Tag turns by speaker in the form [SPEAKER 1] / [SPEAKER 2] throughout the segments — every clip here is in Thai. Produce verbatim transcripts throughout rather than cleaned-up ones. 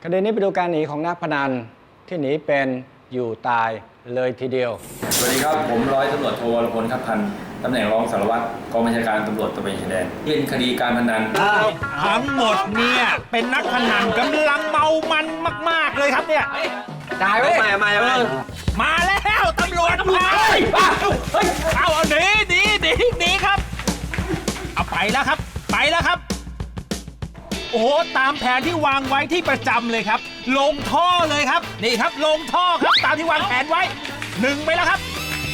[SPEAKER 1] คดีนี้ไปดูการหนีของนักพนันที่หนีเป็นอยู่ตายเลยทีเดียว
[SPEAKER 2] สวัสดีครับผมร้อยตำรวจโทวรพลคับพันธ์ตำแหน่งรองสารวัตรกองบัญชาการตำรวจตระเวนชายแดนเป็นคดีการพนัน
[SPEAKER 3] ทั้งหมดเนี่ยเป็นนักพนันกำลังเมามันมากๆเลยครับเนี่ย
[SPEAKER 4] ได้เว้ยมามามา
[SPEAKER 3] มาแล้วตำรวจมาเอาเอาหนีหนีหนีหนีครับเอาไปแล้วครับไปแล้วครับโอ้โหตามแผนที่วางไว้ที่ประจำเลยครับลงท่อเลยครับนี่ครับลงท่อครับตามที่วางแผนไว้หนึ่งไปแล้วครับ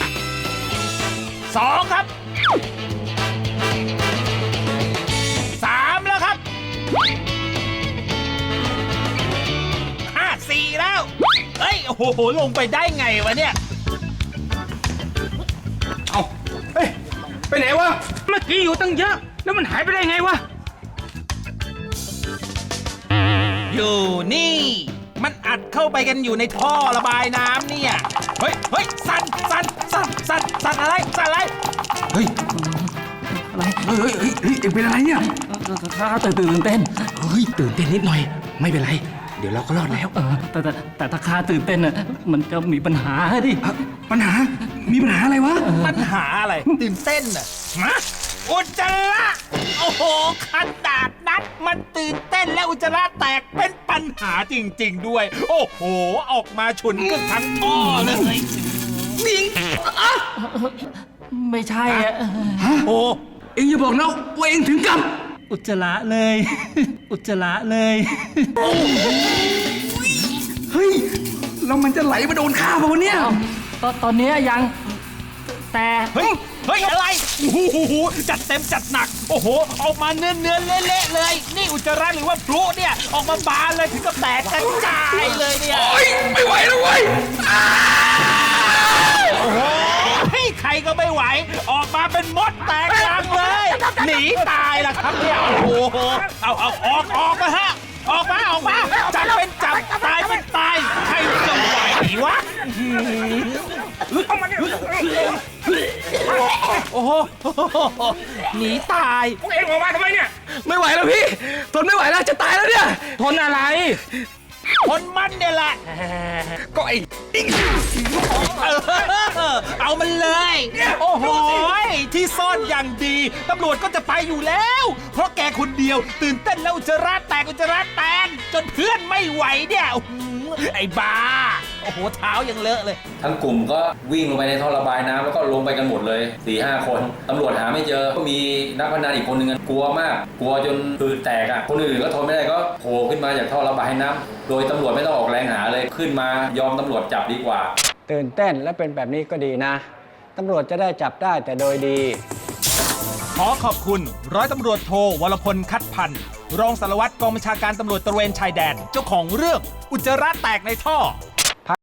[SPEAKER 3] สองครับสามแล้วครับห้าสี่แล้วเฮ้ยโอ้โหลงไปได้ไงวะเนี่ย
[SPEAKER 4] เอาเฮ้ยไปไหนวะเมื่อกี้อยู่ตั้งเยอะแล้วมันหายไปได้ไงวะ
[SPEAKER 3] อยู่นี่มันอัดเข้าไปกันอยู่ในท่อระบายน้ำเนี่ยเฮ้ยเฮ้ยสั่นสั่นสั่นสั่นสั่นอะไรสั่นอะไร
[SPEAKER 4] เฮ้ยอะไรเฮ้ยเฮ้ยเฮ้ยเฮ้ยเป็นอะไรเนี่ยข้าตื่นตื่นเต้นเฮ้ยตื่นเต้นนิดหน่อยไม่เป็นไรเดี๋ยวเราก็รอดแล้วเออแต่แต่แต่ถ้าข้าตื่นเต้นอ่ะมันจะมีปัญหาดิปัญหามีปัญหาอะไรวะ
[SPEAKER 3] ปัญหาอะไรตื่นเต้นอ่ะฮะอุจจาระโอ้โหขนาดนั้นมันตื่นเต้นและอุจจาระแตกเป็นปัญหาจริงๆด้วยโอ้โหออกมาฉุนกันทั้งท่อเลย
[SPEAKER 4] นิ่งไม่ใช่อ่ะ
[SPEAKER 3] โอ้
[SPEAKER 4] เอ็งอย่าบอกนะว่าเอ็งถึงกับ
[SPEAKER 5] อุจจาระเลยอุจจาระเลย
[SPEAKER 4] เฮ้ยแล้วมันจะไหลมาโดนข้าป่ะวะเนี่ย
[SPEAKER 5] ตอนตอนนี้ยังแต่
[SPEAKER 3] เฮ้ยเฮ้ยอะไรโอ้โหจัดเต็มจัดหนักโอ้โหออกมาเนื้อเนื้อเละๆเลยนี่อุจจาระหรือว่าพลุเนี่ยออกมาบานเลยถึงกับแตกกระจายเลยเนี่ย
[SPEAKER 4] โอ้ยไม่ไหวแล้วเว้ย
[SPEAKER 3] โอ้โหใครก็ไม่ไหวออกมาเป็นมดแตกรังเลยหนีตายล่ะครับเนี่ยโอ้โหเอาเอาออกออกมาฮะออกมาออกมาจับเป็นจับตายเป็นตายใครจะไหววะโอ้โหหนีตาย
[SPEAKER 4] พวกเอ็งออกมาทำไมเนี่ยไม่ไหวแล้วพี่ทนไม่ไหวแล้วจะตายแล้วเนี่ยทนอะไร
[SPEAKER 3] ทนมันเนี่ยแหละ
[SPEAKER 4] ก็ไอ้
[SPEAKER 3] เอามันเลยโอ้โหที่ซ่อนอย่างดีตำรวจก็จะไปอยู่แล้วเพราะแกคนเดียวตื่นเต้นแล้วอุจจาระแตกอุจจาระแตนจนเพื่อนไม่ไหวเนี่ยไอ้บ้าโอ้โหเท้ายังเลอะเลย
[SPEAKER 2] ทั้งกลุ่มก็วิ่งลงไปในท่อระบายน้ำแล้วก็ลงไปกันหมดเลย สี่ห้า คนตำรวจหาไม่เจอก็มีนักพนันอีกคนนึงกลัวมากกลัวจนปืนแตกอ่ะคนอื่นก็ทนไม่ได้ก็โผล่ขึ้นมาจากท่อระบายน้ำโดยตำรวจไม่ต้องออกแรงหาเลยขึ้นมายอมตำรวจจับดีกว่า
[SPEAKER 1] ตื่นเต้นและเป็นแบบนี้ก็ดีนะตำรวจจะได้จับได้แต่โดยดี
[SPEAKER 3] ขอขอบคุณร้อยตำรวจโทวรพลคัดพันธ์รองสารวัตรกองบัญชาการตำรวจตระเวนชายแดนเจ้าของเรื่องอุจจาระแตกในท่อ